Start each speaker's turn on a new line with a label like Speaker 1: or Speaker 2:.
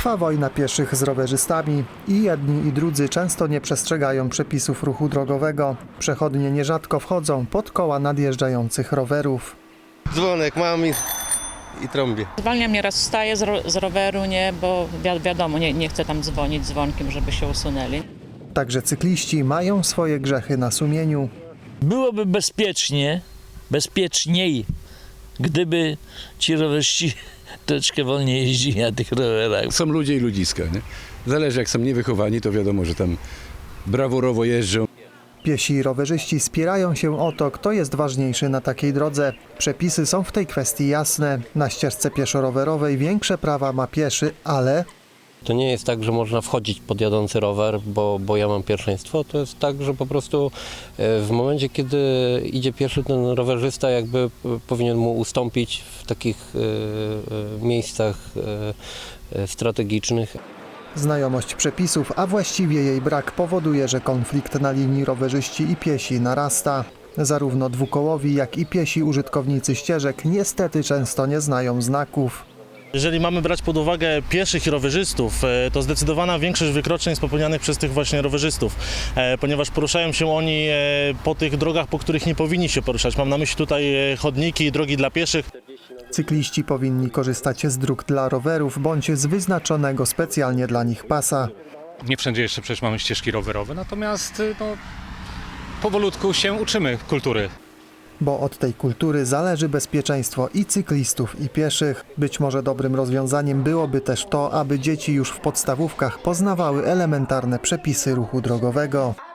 Speaker 1: Trwa wojna pieszych z rowerzystami i jedni i drudzy często nie przestrzegają przepisów ruchu drogowego. Przechodnie nierzadko wchodzą pod koła nadjeżdżających rowerów.
Speaker 2: Dzwonek mam i trąbię.
Speaker 3: Zwalniam, nieraz wstaję z roweru, nie, bo wiadomo, nie chcę tam dzwonić dzwonkiem, żeby się usunęli.
Speaker 1: Także cykliści mają swoje grzechy na sumieniu.
Speaker 4: Byłoby bezpieczniej, gdyby ci rowerzyści troszeczkę wolniej jeździli na tych rowerach.
Speaker 5: Są ludzie i ludziska, nie? Zależy, jak są niewychowani, to wiadomo, że tam brawurowo jeżdżą.
Speaker 1: Piesi i rowerzyści spierają się o to, kto jest ważniejszy na takiej drodze. Przepisy są w tej kwestii jasne. Na ścieżce pieszo-rowerowej większe prawa ma pieszy, ale
Speaker 6: To nie jest tak, że można wchodzić pod jadący rower, bo ja mam pierwszeństwo. To jest tak, że po prostu w momencie, kiedy idzie pieszy, ten rowerzysta jakby powinien mu ustąpić w takich miejscach strategicznych.
Speaker 1: znajomość przepisów, a właściwie jej brak powoduje, że konflikt na linii rowerzyści i piesi narasta. Zarówno dwukołowi, jak i piesi użytkownicy ścieżek niestety często nie znają znaków.
Speaker 7: Jeżeli mamy brać pod uwagę pieszych i rowerzystów, to zdecydowana większość wykroczeń jest popełnianych przez tych właśnie rowerzystów, ponieważ poruszają się oni po tych drogach, po których nie powinni się poruszać. Mam na myśli tutaj chodniki i drogi dla pieszych.
Speaker 1: Cykliści powinni korzystać z dróg dla rowerów bądź z wyznaczonego specjalnie dla nich pasa.
Speaker 8: Nie wszędzie jeszcze przecież mamy ścieżki rowerowe, natomiast powolutku się uczymy kultury.
Speaker 1: Bo od tej kultury zależy bezpieczeństwo i cyklistów, i pieszych. Być może dobrym rozwiązaniem byłoby też to, aby dzieci już w podstawówkach poznawały elementarne przepisy ruchu drogowego.